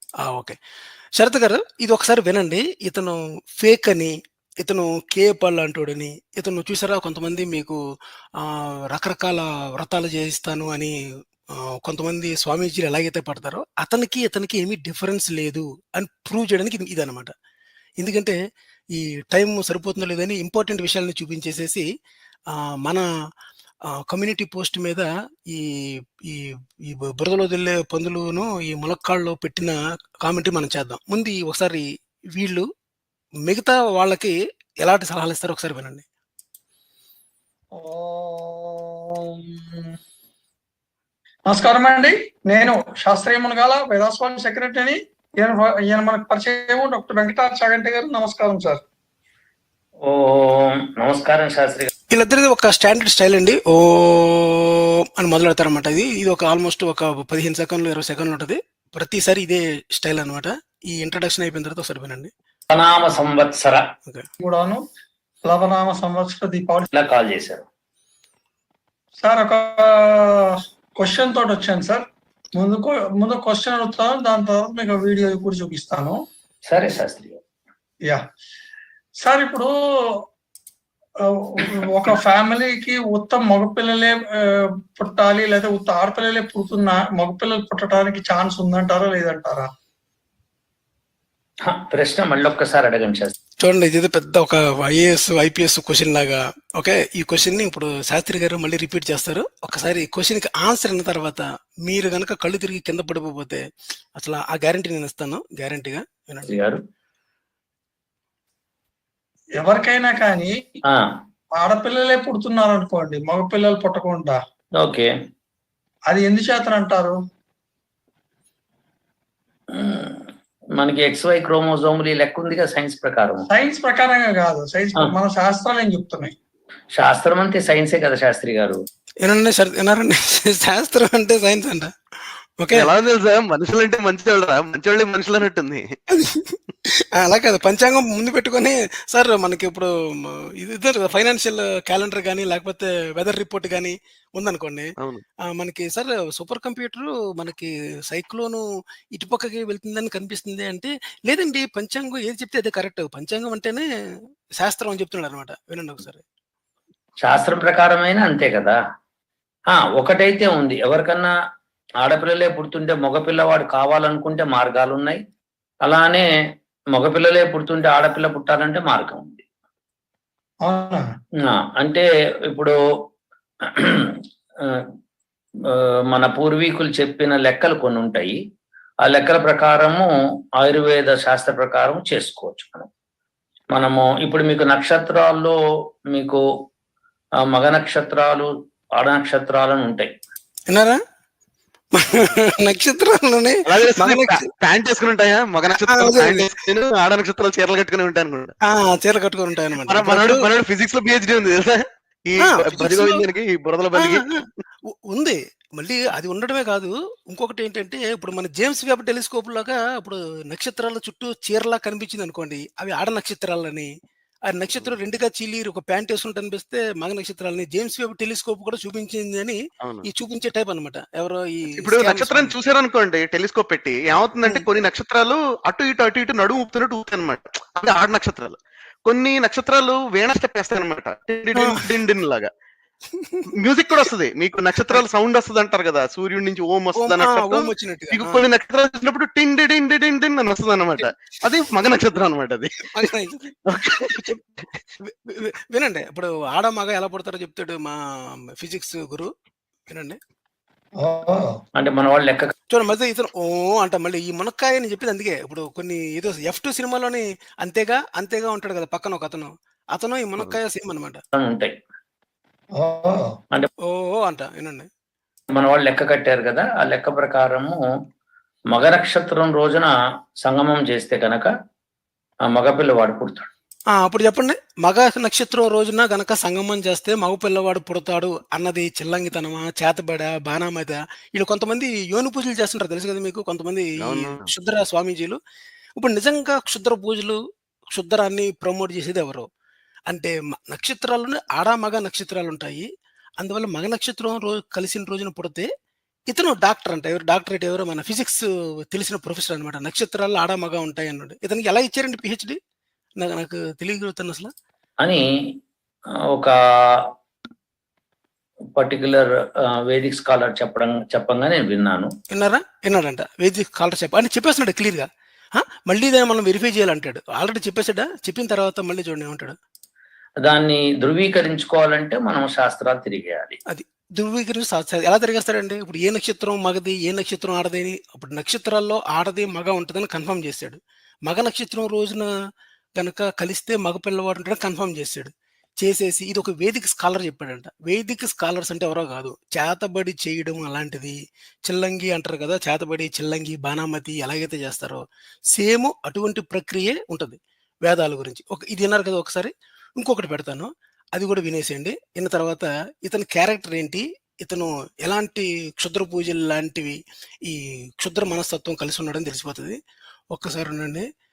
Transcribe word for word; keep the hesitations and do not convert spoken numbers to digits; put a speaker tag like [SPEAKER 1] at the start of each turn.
[SPEAKER 1] ఆ! ఓకే. శరత్ గారు ఇది ఒకసారి వినండి. ఇతను ఫేక్ అని, ఇతను కేఏ లాంటోడని, ఇతను చూసారా కొంతమంది మీకు ఆహ్, రకరకాల వ్రతాలు చేయిస్తాను అని ఆహ్, కొంతమంది స్వామీజీలు ఎలాగైతే పడతారో, అతనికి, ఇతనికి ఏమి డిఫరెన్స్ లేదు అని ప్రూవ్ చేయడానికి ఇది ఇదనమాట. ఎందుకంటే ఈ టైం సరిపోతుందో లేదని ఇంపార్టెంట్ విషయాలను చూపించేసేసి ఆహ్, మన ఆహ్, కమ్యూనిటీ పోస్ట్ మీద ఈ ఈ ఈ బు బురదలో దెల్లే పందులును, ఈ ములక్కాడలో పెట్టిన కామెంట్‌ని మనం చేద్దాం. ముందు ఈ ఒకసారి వీళ్ళు మిగతా వాళ్ళకి ఎలాంటి సలహాలిస్తారో ఒకసారి వినండి.
[SPEAKER 2] ఓం నమస్కారమండి. నేను శాస్త్రీయ మునగాల వేదాస్వామి సెక్రటరీని. ఈయన ఈయన మనకు పరిచయం డాక్టర్ వెంకటార్ చాగంటి గారు. నమస్కారం సార్.
[SPEAKER 3] ఓం నమస్కారం శాస్త్రి గారు.
[SPEAKER 1] వీళ్ళిద్దరిది ఒక స్టాండర్డ్ స్టైల్ అండి. ఓం అని మొదలెడతారనమాట. ఇది ఇది ఒక ఆల్మోస్ట్ ఒక పదిహేను సెకన్లు, ఇరవై సెకన్లు ఉంటది. ప్రతిసారి ఇదే స్టైల్ అనమాట. ఈ ఇంట్రడక్షన్ అయిపోయిన తర్వాత ఒకసారి వినండి.
[SPEAKER 3] ప్రణామ సంవత్సర
[SPEAKER 1] ఓకే.
[SPEAKER 2] కూడాను ప్లవనామ సంవత్సర దీపావళి
[SPEAKER 3] ఇలా కాల్ చేశారు.
[SPEAKER 2] సార్ ఒక క్వశ్చన్ తోటి వచ్చాను సార్. ముందు కొ- ముందు క్వశ్చన్ అడుగుతాను, దాని తర్వాత మీకు వీడియో కూడా చూపిస్తాను.
[SPEAKER 3] సరే శాస్త్రి గారు.
[SPEAKER 2] యా సార్, ఇప్పుడు ఆ, ఒక ఫ్యామిలీకి ఉత్త మగపిల్లలే ఆ, పుట్టాలి లేదా ఉత్త ఆడపిల్లలే పుడుతున్న మగపిల్లలు పుట్టడానికి ఛాన్స్ ఉందంటారా లేదంటారా?
[SPEAKER 3] హ, ప్రశ్న మళ్ళీ ఒక్కసారి అడగండి శాస్త్రి.
[SPEAKER 1] చూడండి ఇది పెద్ద ఒక ఐఏఎస్, ఐపీఎస్ క్వశ్చన్ లాగా. ఓకే, ఈ క్వశ్చన్ ని ఇప్పుడు శాస్త్రి గారు మళ్ళీ రిపీట్ చేస్తారు. ఒకసారి ఈ క్వశ్చన్ కి ఆన్సర్ అయిన తర్వాత మీరు గనక కళ్ళు తిరిగి కింద పడిపోతే అసలు ఆ గ్యారంటీ నేను ఇస్తాను, గ్యారంటీగా వినండి.
[SPEAKER 3] శాస్త్రి గారు
[SPEAKER 2] ఎవరికైనా కానీ
[SPEAKER 3] ఆ,
[SPEAKER 2] ఆడపిల్లలే పుడుతున్నారు అనుకోండి, మగపిల్లలు పుట్టకుండా,
[SPEAKER 3] ఓకే.
[SPEAKER 2] అది ఎందుచేతన అంటారు?
[SPEAKER 3] మ్, మనకి ఎక్స్వై క్రోమోజోములు ఈ లెక్క ఉందిగా సైన్స్ ప్రకారం.
[SPEAKER 2] సైన్స్ ప్రకారంగా కాదు, సైన్స్
[SPEAKER 3] ఆ.
[SPEAKER 2] మన శాస్త్రాలు ఏం చెప్తున్నాయి?
[SPEAKER 3] శాస్త్రం అంతే సైన్సే కదా శాస్త్రి గారు.
[SPEAKER 1] వినండి సార్, వినారండి. శాస్త్రం అంటే సైన్స్ అంట. ఓకే,
[SPEAKER 4] ఎలా తెలుసా మనుషులు అంటే మంచివాళ్ళరా, మంచివాళ్ళే మనుషులు అన్నట్టుంది.
[SPEAKER 1] అలా కాదు, పంచాంగం ముందు పెట్టుకొని సార్ మనకి ఇప్పుడు మ, ఇది ఫైనాన్షియల్ క్యాలెండర్ కానీ లేకపోతే వెదర్ రిపోర్ట్ కానీ ఉందనుకోండి.
[SPEAKER 4] అవును.
[SPEAKER 1] ఆ, మనకి సార్ సూపర్ కంప్యూటర్ మనకి సైక్లోను ఇటుపక్కకి వెళ్తుందని కనిపిస్తుంది అంటే, లేదండి పంచాంగం ఏది చెప్తే అదే కరెక్ట్, పంచాంగం అంటేనే శాస్త్రం అని చెప్తున్నాడు అనమాట. వినండి ఒకసారి.
[SPEAKER 3] శాస్త్రం ప్రకారమైన అంతే కదా. ఆ ఒకటైతే ఉంది, ఎవరికన్నా ఆడపిల్లలే పుడుతుంటే మగపిల్లవాడు కావాలనుకుంటే మార్గాలు ఉన్నాయి. అలానే మగపిల్లలే పుడుతుంటే ఆడపిల్ల పుట్టాలంటే మార్గం ఉంది.
[SPEAKER 2] అవునా?
[SPEAKER 3] ఆ, అంటే ఇప్పుడు ఆ, ఆ, మన పూర్వీకులు చెప్పిన లెక్కలు కొన్ని ఉంటాయి. ఆ లెక్కల ప్రకారము ఆయుర్వేద శాస్త్ర ప్రకారం చేసుకోవచ్చు మనం. మనము ఇప్పుడు మీకు నక్షత్రాల్లో మీకు ఆ, మగ నక్షత్రాలు, ఆడ నక్షత్రాలు అని ఉంటాయి.
[SPEAKER 1] విన్నారా? నక్షత్రాల్లోనే
[SPEAKER 4] అలా
[SPEAKER 1] మగ
[SPEAKER 4] తెలుస్తుంది.
[SPEAKER 1] నక్ష-
[SPEAKER 4] ప్యాంట్ వేసుకుని ఉంటాయా మగ
[SPEAKER 1] ఆ,
[SPEAKER 4] నక్షత్రాలు
[SPEAKER 1] అదే,
[SPEAKER 4] ప్యాంట్
[SPEAKER 1] అదే.
[SPEAKER 4] వేసుకుని, ఆడ నక్షత్రాలు చీరలు కట్టుకుని ఉంటాయి అనుకుంటా.
[SPEAKER 1] ఆ, చీర కట్టుకొని ఉంటాయి అనమాట.
[SPEAKER 4] మన మనోడు మనోడు ఫిజిక్స్ లో పిహెచ్డి ఉంది తెలుసా, ఈ బలి గోవిందానికి, ఈ బురదల బలికి.
[SPEAKER 1] ఉంది. మళ్ళీ అది ఉండడమే కాదు, ఇంకొకటి ఏంటంటే ఇప్పుడు మన జేమ్స్ వెబ్ టెలిస్కోప్ లాగా ఇప్పుడు నక్షత్రాల చుట్టూ చీరలా కనిపించింది అనుకోండి, అవి ఆడ నక్షత్రాలని. ఆ నక్షత్రం రెండుగా చీలి ఒక ప్యాంట్ వేసుకుంటూ అనిపిస్తే మగ నక్షత్రాలని జేమ్స్ వెబ్ టెలిస్కోప్ కూడా చూపించింది అని
[SPEAKER 4] అవును.
[SPEAKER 1] ఈ చూపించే టైప్ అన్నమాట. ఎవరో ఈ
[SPEAKER 4] ఇప్పుడు
[SPEAKER 1] స్కామ్
[SPEAKER 4] నక్షత్రాన్ని
[SPEAKER 1] స్వామి.
[SPEAKER 4] చూసారనుకోండి టెలిస్కోప్ పెట్టి, ఏమవుతుందంటే
[SPEAKER 1] ఉమ్.
[SPEAKER 4] కొన్ని నక్షత్రాలు అటు ఇటు అటు ఇటు నడుము ఊపుతున్నట్టు ఊపుతాయి అనమాట. అంటే ఆడ నక్షత్రాలు. కొన్ని నక్షత్రాలు వేణ స్టెప్ వేస్తాయి అనమాట, లాగా. మ్యూజిక్ కూడా వస్తుంది మీకు, నక్షత్రాలు సౌండ్ వస్తుంది అంటారు కదా, సూర్యుడి నుంచి ఓం
[SPEAKER 1] ఓం,
[SPEAKER 4] వస్తుంది
[SPEAKER 1] ఆ,
[SPEAKER 4] అన్నట్టు.
[SPEAKER 1] ఓం వచ్చినట్టుగా.
[SPEAKER 4] మీకు
[SPEAKER 1] ఆ.
[SPEAKER 4] కొన్ని నక్షత్రాలు చూసినప్పుడు టిండి డిండి డిండి డిండి అని వస్తుంది అనమాట. అది మగ నక్షత్రం అనమాట అది.
[SPEAKER 1] మగ నక్షత్రం. చెప్- వి- వి- వినండి, ఇప్పుడు ఆడ మగ ఎలా పుడతారో చెప్తాడు మా ఫిజిక్స్ గురు. వినండి.
[SPEAKER 2] ఓ,
[SPEAKER 3] అంటే మన వాళ్ళు లెక్క
[SPEAKER 1] చూడండి మధ్య ఇతను ఓ అంట, మళ్ళీ ఈ మునక్కాయ అని చెప్పింది అందుకే. ఇప్పుడు కొన్ని ఏదో ఎఫ్ టూ సినిమాలోని అంతేగా అంతేగా ఉంటాడు కదా పక్కన ఒక అతను, అతను ఈ మునక్కాయ సేమ్ అనమాట.
[SPEAKER 3] ఉంటాయి.
[SPEAKER 2] ఓ,
[SPEAKER 1] ఓ ఓ అంట. వినండి.
[SPEAKER 3] మన వాళ్ళు లెక్క కట్టారు కదా, ఆ లెక్క ప్రకారము మగ నక్షత్రం రోజున సంగమం చేస్తే కనుక ఆ మగపిల్లవాడు పుడతాడు.
[SPEAKER 1] ఆ, అప్పుడు చెప్పండి, మగ నక్షత్రం రోజున గనక సంగమం చేస్తే మగ పిల్లవాడు పుడతాడు అన్నది చిల్లంగితనమా, చేతబడ, బాణామద? వీళ్ళు కొంతమంది యోని పూజలు చేస్తుంటారు తెలుసు కదా మీకు, కొంతమంది ఈ
[SPEAKER 4] అవును.
[SPEAKER 1] క్షుద్ర స్వామీజీలు. ఇప్పుడు నిజంగా క్షుద్ర పూజలు, క్షుద్రాన్ని ప్రమోట్ చేసేది ఎవరు అంటే మ- నక్షత్రాలను ఆడ మగ నక్షత్రాలు ఉంటాయి. అందువల్ల మగ నక్షత్రం రోజు కలిసిన రోజున పుడితే ఇతను డాక్టర్ అంట. ఎవరు డాక్టరేట్ ఎవరో మన ఫిజిక్స్ తెలిసిన ప్రొఫెసర్ అనమాట. నక్షత్రాల్లో ఆడ, మగ ఉంటాయి అన్నాడు. ఇతనికి ఎలా ఇచ్చారండి పీహెచ్‌డీ? నాకు నాకు తెలియగలుగుతాను అసల.
[SPEAKER 3] అని ఆహ్, ఒక పర్టిక్యులర్ ఆహ్, వేదిక్ స్కాలర్ చెప్పడం చెప్పంగా నేను విన్నాను.
[SPEAKER 1] విన్నారా? విన్నాడంట. వేదిక్ స్కాలర్ చెప్ప అని చెప్పేస్తున్నాడు క్లియర్‌గా. ఆ! మళ్ళీ దాన్ని మనం వెరిఫై చేయాలంటాడు. ఆల్రెడీ చెప్పేసాడా? చెప్పిన తర్వాత మళ్ళీ చూడండి ఏమంటాడో.
[SPEAKER 3] దాన్ని ధృవీకరించుకోవాలంటే మనం శాస్త్రాలు తిరిగేయాలి.
[SPEAKER 1] అది. ధృవీకరించి సా సా ఎలా తిరిగేస్తాడండి? ఇప్పుడు ఏ నక్షత్రం మగది, ఏ నక్షత్రం ఆడది అని అప్పుడు నక్షత్రాల్లో ఆడది, మగ ఉంటదని కన్ఫర్మ్ చేసాడు. మగ నక్షత్రం రోజున గనక కలిస్తే మగ పిల్లవాడు ఉంటాడని కన్ఫర్మ్ చేసాడు. చేసేసి ఇదొక వేదిక్ స్కాలర్ చెప్పాడంట. వేదిక్ స్కాలర్స్ అంటే ఎవరో కాదు. చేతబడి చేయడం అలాంటిది. చిల్లంగి అంటారు కదా! చేతబడి, చిల్లంగి, బాణామతి ఎలాగైతే చేస్తారో సేమ్ అటువంటి ప్రక్రియే ఉంటది. వేదాల గురించి. ఒక ఇది విన్నారు కదా ఒకసారి. ఇంకొకటి పెడతాను. అది కూడా వినేసేయండి. విన్న తర్వాత ఇతని క్యారెక్టర్ ఏంటి? ఇతను ఎలాంటి క్షుద్ర పూజలు లాంటివి ఈ క్షుద్ర మనస్తత్వం కలిసి ఉన్నాడని తెలిసిపోతది. ఒక్కసారి ఉండండి.